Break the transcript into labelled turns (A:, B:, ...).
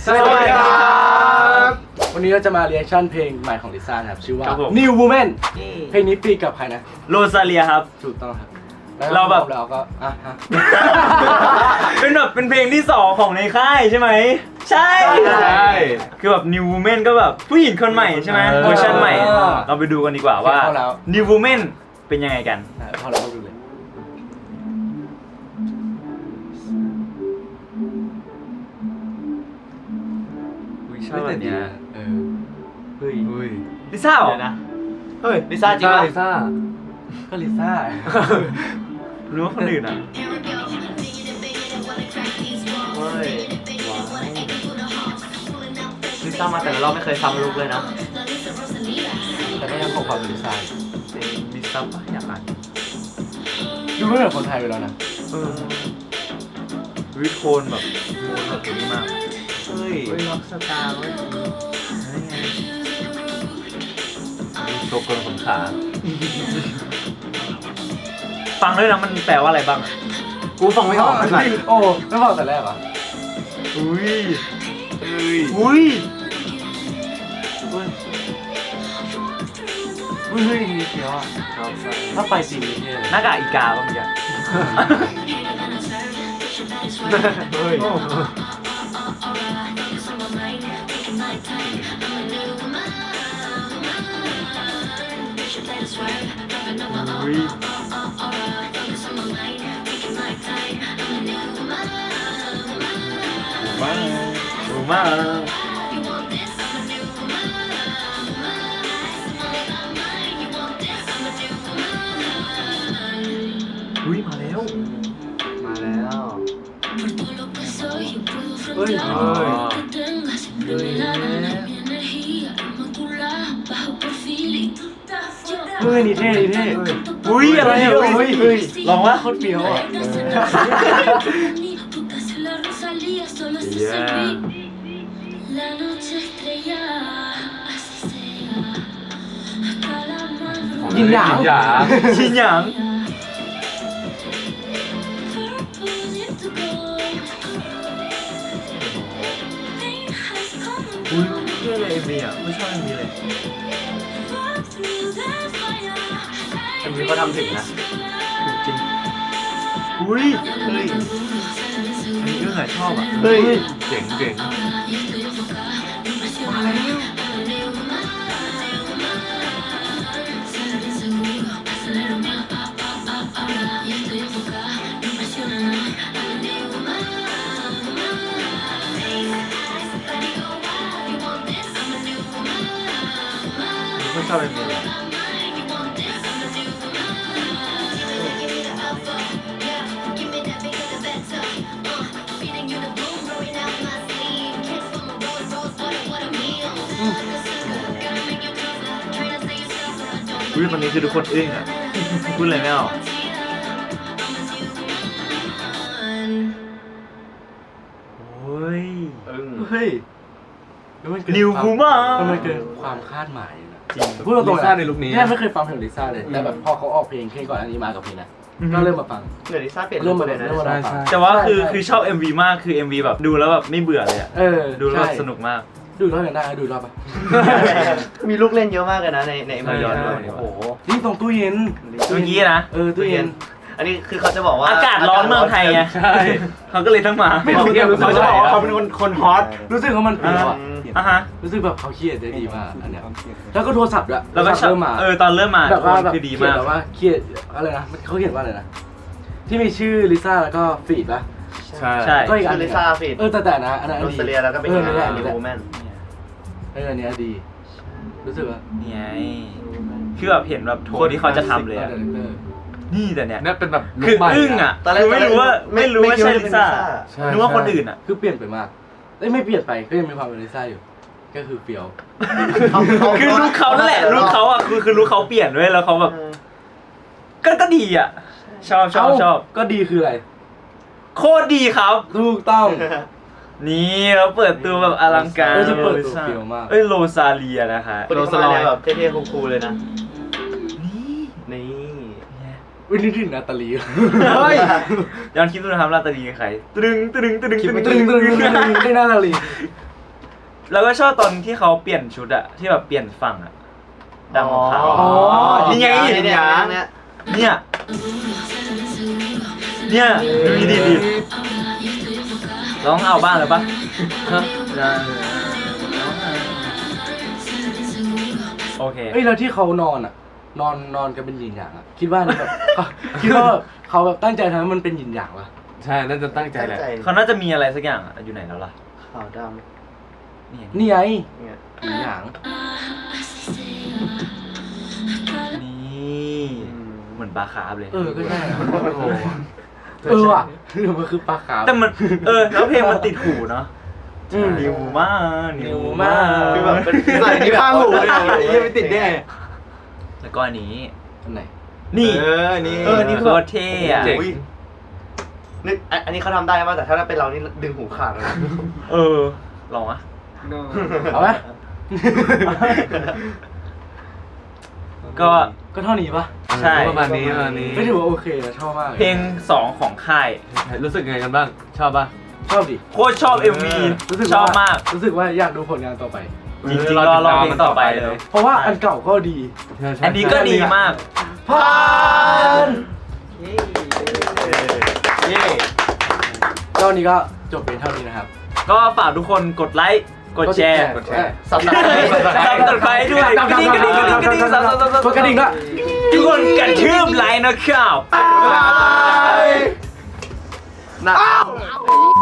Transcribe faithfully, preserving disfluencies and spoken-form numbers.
A: สวัสดีครับวันนี้เราจะมาเรีแอคชั่นเพลงใหม่ของลิซ่าครับชื่อว่า New Woman เพลงนี้ปีกับใครนะ
B: โรซาเลียครับ
A: ถูกต้องครับ
B: เราแบบ
A: เราก็อ่ะฮะ
B: เป็นแบบเป็นเพลงที่สองของในค่ายใช่ไหมใช่ใช่คือแบบ New Woman ก็แบบผู้หญิงคนใหม่ใช่ไหมเวอร์ชันใหม่เราไปดูกันดีกว่าว่า New Woman เป็นยังไงกัน
A: พอเราดูเลย
B: ชอบแบบเนี้ย
A: เออเฮ้ยเฮ้ย
B: ลิซ่าเหรอนะ
C: เฮ้ยลิซ่าจริงป่ะ
A: ลิซ่าก็ลิซ่า
B: รู้ว่าคนอื่นอ่ะ
C: เฮ้ยลิซ่ามาแต่ละรอบไม่เคยซ้ำลุกเลยนะ
A: แต่ก็ยังคงความเป็นลิซ่า
B: ลิซ่าปะอยากอ่าน
A: ดูไม่เหมือนคนไทยไปแล้วนะ
B: เออวิโคนแบบโคนแบบนี้มาก
C: เฮ้ย
B: ล็อกสตาร์เว้ยโชกลขนขาฟังด้วยนะมันแปลว่าอะไรบ้าง
C: กูฟังไม่ออกเลย
A: โอ้ไม่ฟังแต่แรกอ่ะ
B: อุ้ย
A: อุ้ย
B: อุ้ย
A: อุ้ยอุ้ยเฮ้ยมีเสียวอ่ะถ้าไปจริงนี่
B: หน้ากากอีกาบ้างจ้ะ
A: เฮ้ย
B: อุ้ย
A: ว้าว
B: รู้มากอุ้ยมาแล้ว
C: มาแล้ว
A: เฮ้ยเฮ้ยเฮ้ยนี่เท่นี่เท่
B: อุ้ยอะไรอ่ะอุ้ยลองว่าโคตรเฟี้ยวอ่ะ
A: ยินหยาง
B: หยางชินหยางอุ้ยเท่เลยเอ็มวีอ่ะไม่ชอบเอ็มวีเลย
C: อันนี้เขาทำถึงนะ
B: จริงอุ้ยเฮ้ยอันนี้ก็หายชอบอ่ะ
C: เฮ้ย
B: เจ๋งเจ๋ง
A: มาแล้ว
B: ไม่ชอบเป็นเลยอุ้ยคนนี้คือทุกคนอึ้งอ่ะพูดอะไรไม่ออกโอ้ย
A: เฮ้ย
B: นิวบูมา
A: มันเกินความคาดหมายนะ
B: จริง
A: พูดตรงๆ
C: ลิซ่าในลุคนี้
A: แค่ไม่เคยฟังเพลงลิซ่าเลยแต่แบบพอเขาออกเพลงแค่ก่อนอันนี้มากับเพลงนะก็เริ่มมาฟัง
C: เดี๋ยวลิซ่าเปลี่ยน
A: เริ่มมาเลยนะ
B: แต่ว่าคือคือชอบ เอ็ม วี มากคือ เอ็ม วี แบบดูแล้วแบบไม่เบื่อเลยอ่ะดูแล้วสนุกมาก
A: ดูรอบยังได้ดูรอบปะ
C: มีลูกเล่นเยอะมากเลยนะในในเอ็ม วี ย้อนดู
A: โอ้โหนี่ตรงตู้เย็น
B: เมื่อกี้นะ
A: เออตู้เย็น
C: อันนี้คือเขาจะบอกว่า
B: อากาศร้อนเมืองไทยไง
A: ใช่
B: เขาก็เลยต้องมา
A: ไม่รู้เขาจะบอกว่าเขาเป็นคนคนฮอตรู้สึกว่ามันเปรี้ยวอ่ะ
B: อ่ะฮะ
A: รู้สึกแบบเขาเครียดได้ดีมากอันเนี้ยแล้วก็โทรศัพท์ด้วย
B: แล้วก็เริ่มมาเออตอนเริ่มมา
A: แบบว่าแบบ
B: คือดีมาก
A: แบบว่าเครียดอะไรนะเขาเขียนว่าอะไรนะที่มีชื่อลิซ่าแล้วก็ฟีดป่ะ
B: ใช่ใช่
A: ก็อีกอัน
C: ลิซ่าฟีด
A: เออแต่แต่นะอันนั้น
C: โรซาเลียแล้วก็เป็น
A: อันนี้
C: นิววูแมน
A: เอออันนี้ดีรู้สึกว่า
B: นี่ไงคือแบบเห็นแบบโทนที่เขาจะทำเลยนี่แต่เนี้ย
A: เนี่ยเป็นแบบ
B: คืออึ้งอ่ะคือไม่รู้ว่าไม่รู้ว่าใช่ลิซ่านึกว่าคนอื่นอ่ะ
A: คือเปลี่ยนไปมากไม่เปลี่ยนไปก็ยังมีความเป็นลิซ่าอยู่ก็คือเปรี้ยว
B: คือลูกเขานั่นแหละลูกเขาอ่ะคือคือลูกเขาเปลี่ยนด้วยแล้วเขาแบบก็ก็ดีอ่ะชอบชอบชอบ
A: ก็ดีคืออะไร
B: โคตรดีครับ
A: ถูกต้อง
B: นี่เราเปิดตัวแบบอลังการ
A: จะเปิดตัวเฟี้ยวมาก
B: เอ้ยโรซาเลียนะคะ
C: โรซาเลียแบบเท่ๆคูลๆเลยนะ
B: นี่
C: นี่
A: วินิทินนาตาลี
B: เฮ้ยย้อนคิดดูนะครับนาตาลีใครตรึงตรึงตรึงตรึง
A: ตรึงตรึงตรึงได้นาตาลี
B: แล้วก็ชอบตอนที่เขาเปลี่ยนชุดอะที่แบบเปลี่ยนฝั่งอะดำของขาว
C: อ๋อ
B: นี่ไง
C: เนี่ยเนี่ยเนี่ย
B: เนี่ยเนี่ยดูดีดีร้องเอาบ้างเลยปะโอเค
A: เอ้ยแล้วที่เขานอนอ่ะ นอนนอนกันเป็นหยินหยางอ่ะคิดว่านี่แบบเขาคิดว่าเขาแบบตั้งใจทำให้มันเป็นหยินหยางวะ
D: ใช่น่าจะตั้งใจแหละ
B: เขาน่าจะมีอะไรสักอย่างอะอยู่ไหนแล้วล่ะ
C: ขาวด
B: นี่ไง
A: นี่ไง
C: ำเนี่ย
A: หยินหยาง
B: นี่เหมือนปลาคาร์ฟเลย
A: เออก็ใช่อะ
D: โอ้โห
A: เออว่ะหรือมันคือปลาขาว
B: แต่มันเออแล้วเพลงมันติดหูเนาะ
A: อืม
B: นิวมานิ
A: นิ
B: ว
A: ว
B: มา
A: มา
C: คือแบบเป็นใส่ที่ข้างหูเลยยังไม่ติดได้ไง
B: แล้วก็อันนี้
A: อันไหน
B: นี่
C: เออนี่
B: เออ นี่โคตรเท่อะ
D: เจ๋ง
C: อุ๊ยนึกอันอันนี้เขาทำได้ป่ะแต่ถ้าเป็นเรานี่ดึงหูขาดเลยนะ
B: เออ ลองอะ
A: เอาไหม
B: ก็
A: ก็เท่านี้ปะ
B: ใช่
D: ประมาณนี้ประมาณนี้
A: ไม่ถือว่าโอเคนะชอบมาก
B: เพลงสองของค่าย
D: รู้สึกไงกันบ้าง ชอบป่ะ
A: ชอบดิ
B: โคตรชอบ เอ็ม วี
A: รู้สึก
B: ชอบ
A: ว่
B: มาก
A: รู้สึกว่าอยากดูผลงานต่อไป
B: จริงๆรอรอเพลงต่อไปเลย
A: เพราะว่าอันเก่าก็ดี
B: อันนี้ก็ดีมาก
A: ผ่าน
C: เย้
A: ก็วันนี้ก็จบเป็นเท่านี้นะครับ
B: ก็ฝากทุกคนกดไลค์ กดแชร์
A: กดแชร์
C: สับหนัก
B: ซับกดไลค์ด้วยกระดิ่งกระดิ่งกระดิ่งกระดิ่งซับซับซับซับ
A: กดกระดิ่งด้วย
B: ทุกคนกระทืบไลค์นะครับ
C: หนัก